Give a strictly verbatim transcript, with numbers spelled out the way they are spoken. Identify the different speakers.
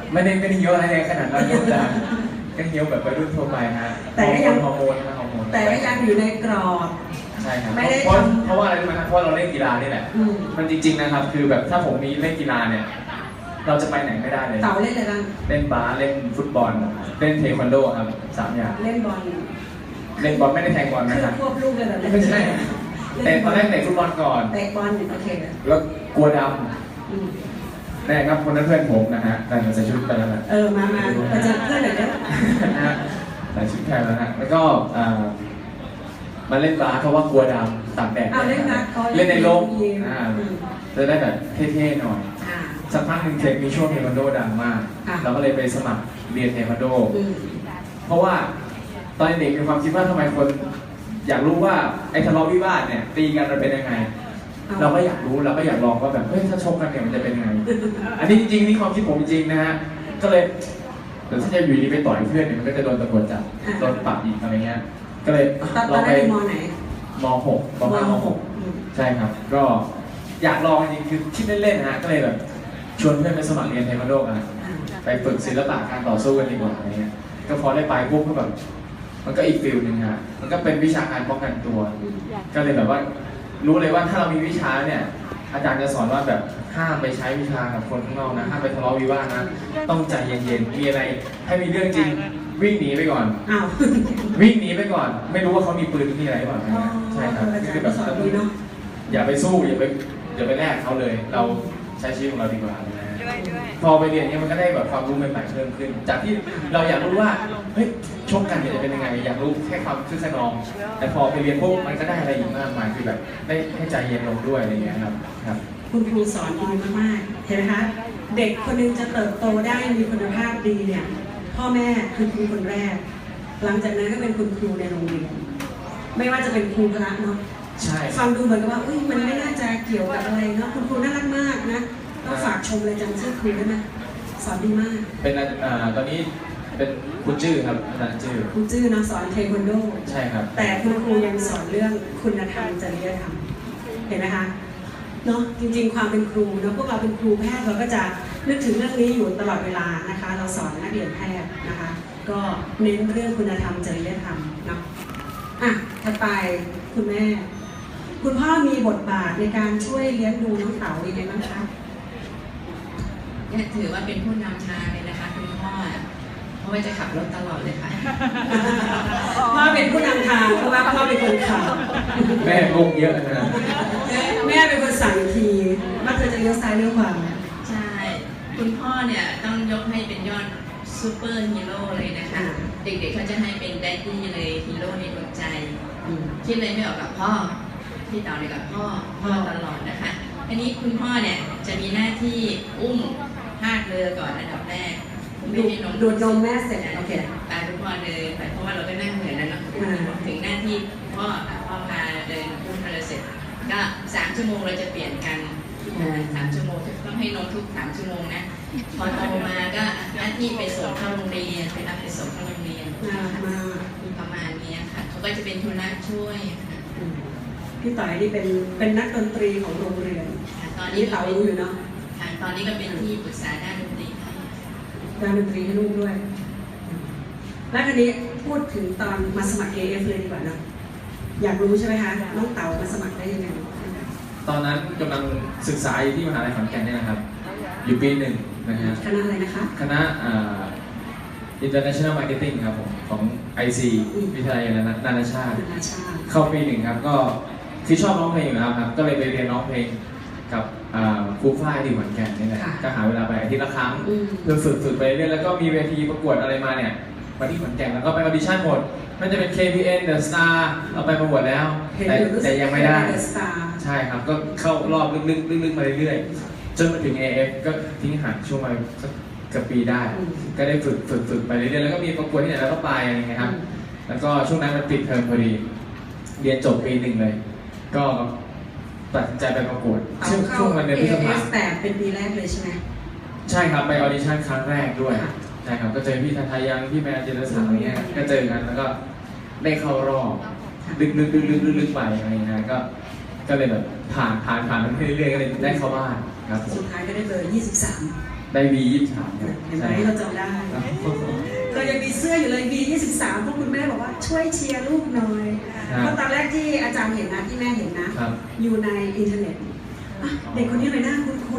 Speaker 1: ไม่ได้ไม่ได้เยอะอะไรขนาดนั้นนะจ๊ะก็เยอะแบบวัยรุ่นทั่วไปฮะแต่ก็ยังฮอร์โมนนะฮอร์โมน
Speaker 2: แต่ก็ยังอยู่ในกรอบ
Speaker 1: ใช่ครับเพราะเพราะว่าอะไรรู้ไหมครับเพราะเราเล่นกีฬานี่แหละมันจริงๆนะครับคือแบบถ้าผมมีเล่นกีฬาเนี่ยเราจะไปไหนไม่ได้เลย
Speaker 2: เต่าเล่นอะไรบ้าง
Speaker 1: เล่นบาสเล่นฟุตบอลเล่นเทควันโดครับสามอย่าง
Speaker 2: เล่นบอล
Speaker 1: เล่นบอลไม่ได้แทงบอลนะครับ
Speaker 2: ควบลูกเลยแบบ
Speaker 1: ไม่ใช่แต่ตอนแรกเตะฟุตบอลก่อน
Speaker 2: เตะบอลโอเค
Speaker 1: แล้วกลัวดำนี่ครับคนนั้นเพื่อนผมนะฮะแต่งใส่ชุดไปแล้วนะ
Speaker 2: เออมามามาเจอเพื่อนหน่อย
Speaker 1: นะใส่ชุดแทนแล้วนะแล้วก็มาเล่นบาสเพราะว่ากลัวดำตากแดด
Speaker 2: เล่นนะ
Speaker 1: เล่นในร่มจะได้แบบเท่ๆหน่อยสักพักหนึ่งเทคมีช่วงเทควันโดดังมากเราก็เลยไปสมัครเรียนเทควันโดเพราะว่าตอนเด็กมีความคิดว่าทำไมคนอยากรู้ว่าไอ้ทะเลาะวิวาทเนี่ยตีกันมันเป็นยังไงเราก็อยากรู้เราก็อยากลองว่าแบบเฮ้ยถ้าชกกันเนี่ยมันจะเป็นยังไงอันนี้จริงๆนี่ความคิดผมจริงนะฮะก็เลยเดี๋ยวถ้าจะอยู่ดีไปต่อยเพื่อนเนี่ยมันก็จะโดนตำรวจจับโดนปรับอีกอะไรเงี้ยก็เลย
Speaker 2: ลองไปมอไหน
Speaker 1: มหกมห้ามหกใช่ครับก็อยากลองจริงคือคิดเล่นๆนะฮะก็เลยแบบชวนเพื่อนไปสมัครเรียนเทควันโดกันไปฝึกศิลปะการต่อสู้กันดีกว่าอะไรเงี้ยก็พอได้ไปปุ๊บก็แบบมันก็อีกฟิลหนึ่งฮะมันก็เป็นวิชาการป้องกันตัวก็เลยแบบว่ารู้เลยว่าถ้าเรามีวิชาเนี่ยอาจารย์จะสอนว่าแบบห้ามไปใช้วิชากับคนข้างนอกนะห้ามไปทะเลาะวิวาทนะต้องใจเย็นๆมีอะไรให้มีเรื่องจริงวิ่งหนีไปก่อน
Speaker 2: อ้าว
Speaker 1: วิ่งหนีไปก่อนไม่รู้ว่าเขามีปืนมีอะไรหรือเปล่าใช่ครับคือแบบอย่าไปสู้อย่าไปอย่าไปแลกเขาเลยเราใช้ชีวิตของเราดีกว่าพอไปเรียนเนี่ยมันก็ได้แบบความรู้ใหม่ๆเพิ่มขึ้นจากที่เราอยากรู้ว่าเฮ้ยชกกันจะเป็นยังไงอยากรู้แค่ความคึกขนองแต่พอไปเรียนพวกมันก็ได้อะไรอีกมากมายคือแบบได้ให้ใจเย็นลงด้วยอะไรเงี้ยครับครับ
Speaker 2: คุณครูสอนดีมากๆเห็นไหมคะเด็กคนนึงจะเติบโตได้มีคุณภาพดีเนี่ยพ่อแม่คือครูคนแรกหลังจากนั้นก็เป็นคุณครูในโรงเรียนไม่ว่าจะเป็นครูพละเนาะ
Speaker 1: ใช่
Speaker 2: ฟังดูเหมือนกับว่าอุ้ยมันไม่น่าจะเกี่ยวกับอะไรเนาะคุณครูน่ารักมากนะต้องฝากชมเลยจำชื่อครูได้ไหมสอนดีมาก
Speaker 1: เป็นอ่าตอนนี้เป็นครูจื้อครับอาจารย์จื้อ
Speaker 2: ครูจื้อนะสอนเทควันโด
Speaker 1: ใช่ครับ
Speaker 2: แต่คุณครูยังสอนเรื่องคุณธรรมจริยธรรมเห็นไหมคะเนาะจริงๆความเป็นครูเนาะพวกเราเป็นครูแพทย์เราก็จะนึกถึงเรื่องนี้อยู่ตลอดเวลานะคะเราสอนนักเรียนแพทย์นะคะก็เน้นเรื่องคุณธรรมจริยธรรมเนาะอ่ะถัดไปคุณแม่คุณพ่อมีบทบาทในการช่วยเลี้ยงดูน้องเต๋ายังไงบ้างคะ
Speaker 3: เนี่ยถือว่าเป็นผู้นำทางเลยนะคะคุณพ่อเพราะว่าจะขับรถตลอดเลยค่ะ
Speaker 2: พ่อเป็นผู้นำทางเพราะว่าพ่อเป็นคนขับ
Speaker 1: แม่งงเยอะนะ
Speaker 2: แม่เป็นคนสั่งทีว่าเธอจะเลี้ยวซ้ายเลี้ยวขวา
Speaker 3: ใช่คุณพ่อเนี่ยต้องยกให้เป็นยอดซูเปอร์ฮีโร่เลยนะคะเด็กๆเขาจะให้เป็นแดดดี้เลยฮีโร่ในดวงใจคิดเลยไม่ออกกับพ่อพี่ต่อเลยกับพ่อพ่อตลอดนะคะอันนี้คุณพ่อเนี่ยจะมีหน้าที่อุ้มพาดเรือก่อนอันดับแรก
Speaker 2: ไม่ให้นมดูดนมแม่เสร็จโอเค
Speaker 3: ตามคุณพ่อเลยเพราะว่าเราก็นั่งเหนื่อยแล้วเนาะถึงหน้าที่พ่อพ่อพาเดินอุ้มเรือเสร็จก็สามชั่วโมงเราจะเปลี่ยนกันสามชั่วโมงต้องให้นมทุกสามชั่วโมงนะพอโตมาก็หน้าที่ไปส่งเข้าโรงเรียนไปรับไปส่งเข้าโรงเรียนประมาณนี้ค่ะเขาก็จะเป็นทุนละช่วย
Speaker 2: พี่ต่อยนี่เป็นเป็นนักดนตรีของโรงเรียน
Speaker 3: ตอนนี้
Speaker 2: เต๋ารู้อยู่เนาะ
Speaker 3: ตอนนี้ก็เป็นที่ปรึกษาด้านดนตรี
Speaker 2: ด้านดนตรีให้ลูกด้วยแล้วทีนี้พูดถึงตอนมาสมัคร เอ เอฟ เลยดีกว่านะอยากรู้ใช่ไหมคะน้องเต๋ามาสมัครได้ยังไง
Speaker 1: ตอนนั้นกำลังศึกษาอยู่ที่มหาลัยขอนแก่นนี่นะครับอยู่ปีหนึ่งนะฮะ
Speaker 2: คณะอะไรนะคะ
Speaker 1: คณะ International Marketing ครับผมของ ไอ ซี วิทยาลัยนานาชาติเข้าปีหนึ่งครับก็คือชอบร้องเพลงอยู่แล้วครับก็เลยไปเรียนร้องเพลงกับครูฝ้ายที่ขอนแก่นนี่แหละก็หาเวลาไปอาทิตย์ละครั้งเพื่อฝึกฝึกไปเรื่อยแล้วก็มีเวทีประกวดอะไรมาเนี่ยมาที่ขอนแก่นแล้วก็ไปออดิชั่นหมดมันจะเป็น เค พี เอ็น The Star เราไปประกวดแล้วแต่แต่ยังไม่ได้ใช่ครับก็เข้ารอบลึกๆลึกๆมาเรื่อยๆจนมาถึง เอ เอฟ ก็ทิ้งห่างช่วงมาสักเกือบปีได้ก็ได้ฝึกฝึกฝึกไปเรื่อยๆแล้วก็มีประกวดที่ไหนแล้วก็ไปอะไรเงี้ยครับแล้วก็ช่วงนั้นมันปิดเทอมพอดีเรียนจบปีหนึ่งเลยก็ตัดสินใจไปประกวดช่วงช่วงวันเดือนพฤษภาคม
Speaker 2: แต่เป็นปีแรกเลยใช่ไหม
Speaker 1: ใช่ครับไปออดิชั่นครั้งแรกด้วยใช่ครับก็เจอพี่ทาทายังพี่แมนเจริญศักดิ์อะไรเงี้ยก็เจอกันแล้วก็ได้เข้ารอบลึกลึกลึกลึกลึกไปอะไรเงี้ยก็ก็เลยแบบผ่านผ่านผ่านมันเรื่อยๆก็เลยได้เข้าบ้านครับ
Speaker 2: สุดท้ายก็ได้เบอร์ยี่สิบสาม
Speaker 1: ได้วียี่สิบสามครับ
Speaker 2: เห็นไหม
Speaker 1: ใช่
Speaker 2: เราจำได้
Speaker 1: ครับ
Speaker 2: เรายังมีเสื้ออยู่เลย วี ยี่สิบสาม เพราะคุณแม่บอกว่าช่วยเชียร์ลูกหน่อย
Speaker 1: ครับ
Speaker 2: เพราะตอนแรกที่อาจารย์เห็นนะที่แม่เห็นนะ
Speaker 1: ครับ
Speaker 2: อยู่ในอินเทอร์เน็ตอ่ะเด็กคนนี้เลยหน้าคุ้นๆ